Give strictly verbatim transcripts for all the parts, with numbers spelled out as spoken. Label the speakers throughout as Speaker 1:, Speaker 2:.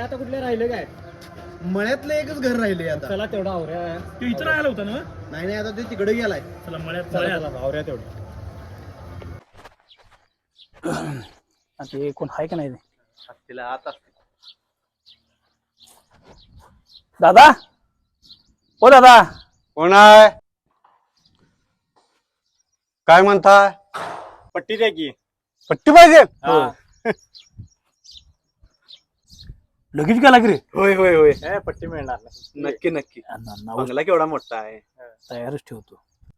Speaker 1: आता कुठले राहिले काय?
Speaker 2: मळ्यातलं एकच घर राहिले आता.
Speaker 1: चला तेवढा आवऱ्या.
Speaker 3: तू इथं राहिला होता ना?
Speaker 2: नाही नाही आता ते तिकडे गेलाय.
Speaker 3: चला मळ्यात
Speaker 1: चला
Speaker 3: मळ्यात.
Speaker 1: चला आवऱ्या तेवढं.
Speaker 3: ते कोण आहे का नाही ते?
Speaker 2: तिला आता
Speaker 3: दादा ओ दादा
Speaker 4: कोण आहे? काय म्हणताय?
Speaker 1: पट्टी द्या की.
Speaker 4: पट्टी पाहिजे?
Speaker 3: लगेच गेला की रे?
Speaker 2: होय होय होय
Speaker 1: ए, पट्टी मिळणार नाही.
Speaker 2: नक्की नक्की.
Speaker 3: नाव
Speaker 2: बंगला केवढा मोठा आहे.
Speaker 3: तयारच ठेवतो.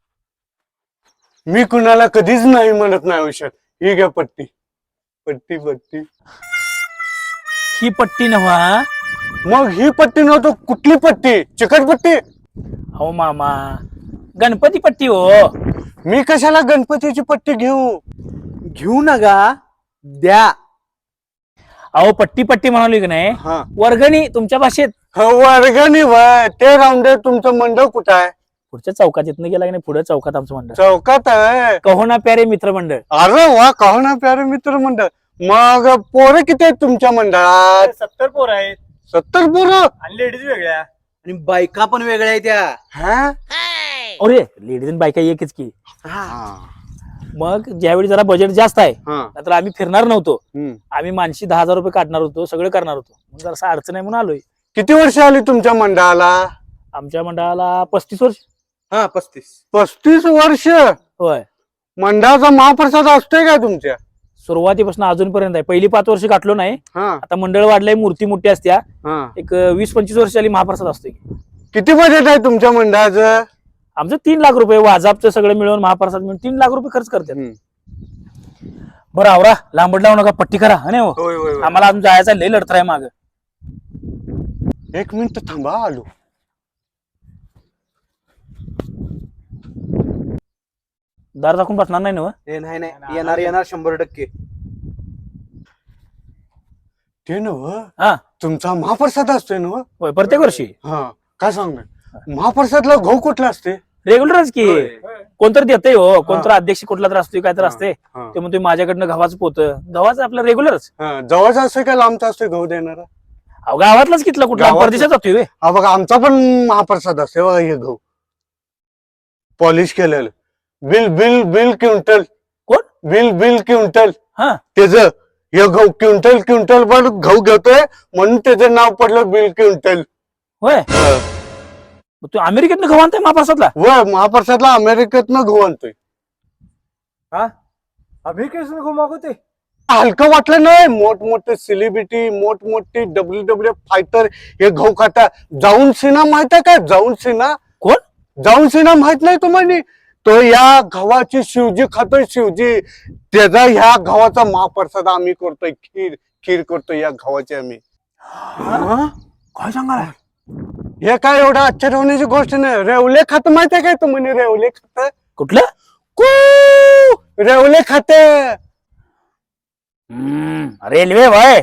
Speaker 4: मी कुणाला कधीच नाही म्हणत नाही आयुष्यात. ही घ्या पट्टी. पट्टी पट्टी.
Speaker 3: ही पट्टी नव्हा.
Speaker 4: मग ही पट्टी नव्हतं कुठली पट्टी? चिकट पट्टी?
Speaker 3: हो मामा गणपती पट्टी हो.
Speaker 4: मी कशाला गणपतीची पट्टी घेऊ?
Speaker 2: घेऊ नका द्या.
Speaker 3: अहो पट्टी पट्टी म्हणाली की नाही
Speaker 4: हा
Speaker 3: वर्गणी तुमच्या भाषेत.
Speaker 4: वर्गणी वय ते राहून दे. तुमचं मंडळ कुठं आहे?
Speaker 3: पुढच्या चौकात इथनं गेला की नाही पुढे चौकात आमचं मंडळ.
Speaker 4: चौकात आहे.
Speaker 3: कहो ना प्यारे मित्र मंडळ.
Speaker 4: अरे वा कहो ना प्यारे मित्र मंडळ. मग पोरं किती आहेत तुमच्या मंडळात?
Speaker 1: सत्तर पोर आहेत
Speaker 4: सत्तर पोरं?
Speaker 1: आणि लेडीज वेगळ्या.
Speaker 2: आणि बायका पण वेगळ्या आहेत त्या.
Speaker 4: हा
Speaker 3: अरे लेडीज आणि बायका एकच की.
Speaker 4: हा.
Speaker 3: मग ज्यावेळी जरा बजेट जास्त आहे
Speaker 4: हा.
Speaker 3: तर आम्ही फिरणार नव्हतो.
Speaker 4: हम्म.
Speaker 3: आम्ही मानशी दहा हजार रुपये काढणार होतो सगळं करणार होतो. मग जरा अडचण आहे म्हणून आलोय.
Speaker 4: किती वर्ष आली तुमच्या मंडळाला?
Speaker 3: आमच्या मंडळाला पस्तीस वर्ष.
Speaker 2: हा पस्तीस.
Speaker 4: पस्तीस वर्ष.
Speaker 3: होय
Speaker 4: मंडळाचा महाप्रसाद असतोय का तुमच्या?
Speaker 3: सुरुवातीपासून अजूनपर्यंत आहे. पहिली पाच वर्ष काढलो नाही.
Speaker 4: हा
Speaker 3: आता मंडळ वाढलंय मूर्ती मोठी असत्या.
Speaker 4: हा.
Speaker 3: एक वीस पंचवीस वर्ष झाली महाप्रसाद असतोय.
Speaker 4: किती बजेट आहे तुमच्या मंडळाचं?
Speaker 3: आमचं तीन लाख रुपये वाजापचं सगळं मिळून महाप्रसाद मिळून तीन लाख रुपये खर्च करतात.
Speaker 4: हम्म.
Speaker 3: बरं आवरा लांबड लावू नका पट्टी करा हा नाही हो.
Speaker 2: होय होय होय.
Speaker 3: आम्हाला अजून जायचा लय लढत आहे माग.
Speaker 4: एक मिनिट थांबा आलो.
Speaker 3: दार दाखवून बसणार नाही ना हो?
Speaker 2: ए, नाही नाही येणार येणार शंभर टक्के.
Speaker 4: ते नव
Speaker 3: हा
Speaker 4: तुमचा महाप्रसाद असतोय ना?
Speaker 3: होय प्रत्येक वर्षी
Speaker 4: हा काय सांग महाप्रसादला गहू कुठला असते?
Speaker 3: रेग्युलरच की.
Speaker 2: होय.
Speaker 3: कोणतरी देते हो कोणतरी अध्यक्ष कुठला तर असतोय काय तर असते.
Speaker 4: हा.
Speaker 3: ते म्हणतोय माझ्याकडनं गव्हाचं पोत. गव्हाचं आपलं रेग्युलरच.
Speaker 4: हा, जवळचा असतोय का लांबचा असतोय गहू देणारा?
Speaker 3: अहो गावातलाच कितला कुठला
Speaker 4: गावातला.
Speaker 3: परदेशात जातोय व्हय.
Speaker 4: हा बघा आमचा पण महाप्रसाद असतोय बघा हे गहू पॉलिश केलेलं. बिल बिल बिल क्विंटल.
Speaker 3: कोण?
Speaker 4: बिल बिल क्विंटल.
Speaker 3: हा
Speaker 4: त्याच हे गहू क्विंटल क्विंटल पण गहू घेतोय म्हणून त्याचं नाव पडलं बिल क्विंटल.
Speaker 3: होय मग तू अमेरिकेतनं गव्हा आणताय महाप्रसादला?
Speaker 4: व महाप्रसादला अमेरिकेतनं गहू आणतोय.
Speaker 1: आम्ही कसं घुमावते.
Speaker 4: हलकं वाटलं नाही. मोठमोठे सेलिब्रिटी मोठमोठे डब्ल्यू डब्ल्यू फायटर हे गहू खाता. जाऊन सिन्हा माहित आहे का? जाऊन सिन्हा.
Speaker 3: कोण?
Speaker 4: जाऊन सिन्हा माहित नाही तुम्हाला? तो या गव्हाची शिवजी खातोय शिवजी. त्याचा ह्या गव्हाचा महाप्रसाद आम्ही करतोय. खीर खीर करतोय या गव्हाची आम्ही.
Speaker 3: काय सांगा
Speaker 4: हे काय एवढं आश्चर्य होण्याची गोष्ट नाही. रेवले खात माहित आहे काय तुम्हाला? रेवले खात
Speaker 3: कुठलं?
Speaker 4: कू रेवले खात.
Speaker 3: रेल्वे वय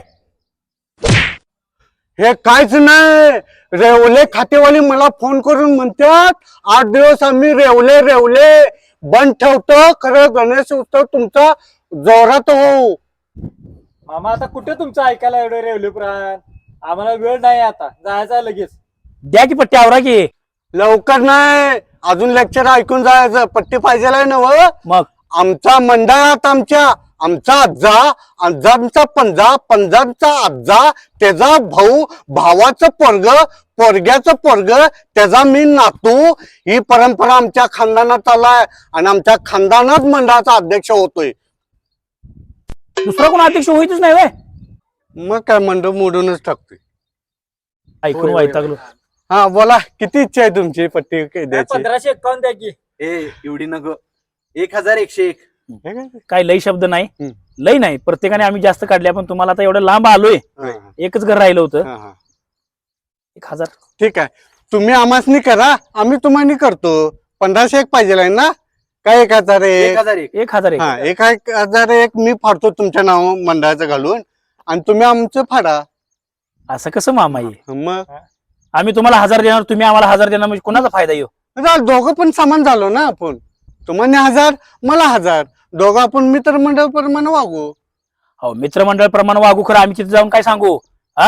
Speaker 4: हे काहीच नाही. रेवले खातेवाली मला फोन करून म्हणतात आठ दिवस आम्ही रेवले रेवले बंद ठेवतो. खरं गणेश उत्सव तुमचा जोरात हो.
Speaker 1: मामा आता कुठे तुमचं ऐकायला एवढं रेवले पुराण. आम्हाला वेळ नाही आता जायचं आहे लगेच.
Speaker 3: द्या की पट्टी आवरा की.
Speaker 4: लवकर नाही अजून लेक्चर ऐकून जायचं. पट्टी पाहिजे ना व.
Speaker 3: मग
Speaker 4: आमचा मंडळात आमच्या आमचा आजा आजांचा पंजा पंजांचा आजा त्याचा भाऊ भावाचं पोरग पोरग्याचं पोरग त्याचा मी नातू. ही परंपरा आमच्या खानदानात चाललाय आणि आमच्या खानदानात मंडळाचा अध्यक्ष होतोय.
Speaker 3: दुसरा कोण अध्यक्ष होईतच नाही व्हय.
Speaker 4: मग काय मंडळ मोडूनच टाकतोय.
Speaker 3: ऐकून वैतागलो.
Speaker 4: हा बोला किती इच्छा आहे तुमची पट्टी द्यायची?
Speaker 1: पंधराशे एकावन्न द्या की.
Speaker 2: ए एवढी नग. एक हजार एकशे एक.
Speaker 4: हे काय?
Speaker 3: काय लई शब्द नाही.
Speaker 4: हम्म.
Speaker 3: लई नाही प्रत्येकाने आम्ही जास्त काढले. पण तुम्हाला आता एवढं लांब आलोय.
Speaker 4: हा, हा,
Speaker 3: एकच घर राहिलं होतं.
Speaker 4: हा, हा.
Speaker 3: एक हजार
Speaker 4: ठीक आहे तुम्ही आम्हासनी करा आम्ही तुम्हाला करतो. पंधराशे एक पाहिजे ना? काय एक हजार
Speaker 2: एक
Speaker 4: एक?
Speaker 2: हजार एक.
Speaker 3: एक हजार एक.
Speaker 4: हा एक एक हजार एक मी फाडतो तुमच्या नाव मंडळाचं घालून आणि तुम्ही आमचं फाडा.
Speaker 3: असं कसं मामा आहे?
Speaker 4: मग
Speaker 3: आम्ही तुम्हाला हजार देणार तुम्ही आम्हाला हजार देणार म्हणजे कोणाचा फायदा येऊ?
Speaker 4: आता दोघं पण समान झालो ना आपण. तुम्हाला हजार मला हजार दोघं आपण मित्रमंडळ प्रमाणे वागू.
Speaker 3: हो मित्रमंडळ प्रमाणे वागू. खरं आम्ही तिथे जाऊन काय सांगू? हा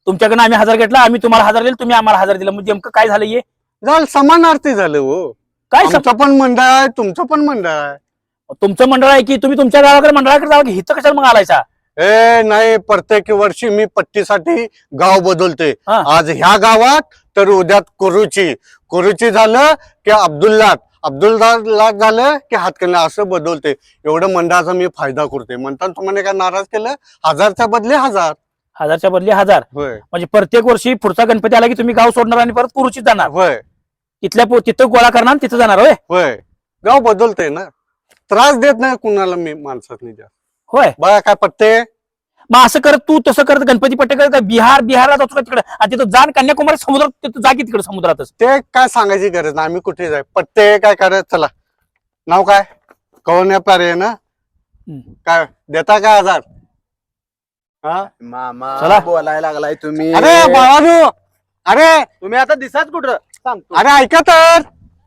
Speaker 3: तुमच्याकडनं आम्ही हजार घेतला, आम्ही तुम्हाला हजार दिले, तुम्ही आम्हाला हजार दिला, म्हणजे नेमकं काय झालं हे
Speaker 4: झालं समानार्थी झालं हो.
Speaker 3: काय सम-
Speaker 4: आमचं पण मंडळ आहे तुमचं पण मंडळ आहे.
Speaker 3: तुमचं मंडळ आहे की तुम्ही तुमच्या गावाकडे मंडळाकडे जावं की हिथं कशाला मग आलायचा?
Speaker 4: ए नाही, प्रत्येक वर्षी मी पट्टीसाठी गाव बदलते.
Speaker 3: हा.
Speaker 4: आज ह्या गावात तर उद्या कुरुची, कुरुची झालं की अब्दुल्ला, अब्दुल्ला झालं की हातकणला, असं बदलते. एवढं मंडळाचा मी फायदा करते. म्हणतात तुम्हाला काय नाराज केलं? हजारच्या बदले हजार.
Speaker 3: हजारच्या बदली हजार,
Speaker 4: होय
Speaker 3: म्हणजे प्रत्येक वर्षी पुढचा गणपती आला की तुम्ही गाव सोडणार आणि परत कुरुचीत जाणार,
Speaker 4: होय
Speaker 3: तिथल्या पो- तिथं गोळा करणार आणि तिथं जाणार होय
Speaker 4: होय. गाव बदलते ना, त्रास देत नाही कुणाला मी माणसातनी जास्त.
Speaker 3: होय.
Speaker 4: बघा काय पट्टे,
Speaker 3: मग असं करत तू तसं करत गणपती पट्टे करत बिहार बिहारला जातो का तिकडे, आणि तिथं जाण कन्याकुमारी समुद्रात, तिथं जा की तिकडे समुद्रातच.
Speaker 4: ते काय सांगायची गरज नाही, आम्ही कुठे जाय. पट्टे काय करत, चला नाव काय, कवन्या प्यारे ना,
Speaker 3: हम्म.
Speaker 4: काय देता काय हजार? हा
Speaker 2: मामा
Speaker 3: चला.
Speaker 2: बोलायला लागलाय तुम्ही.
Speaker 4: अरे बाळानू, अरे
Speaker 2: तुम्ही आता दिसाच कुठं सांगतो.
Speaker 4: अरे ऐका तर,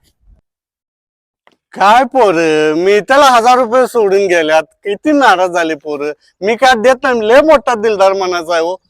Speaker 4: काय पोर, मी त्याला हजार रुपये सोडून गेल्यात, किती नाराज झाले पोर. मी काय देत नाही, लय मोठा दिलदार मनाचा आहे हो.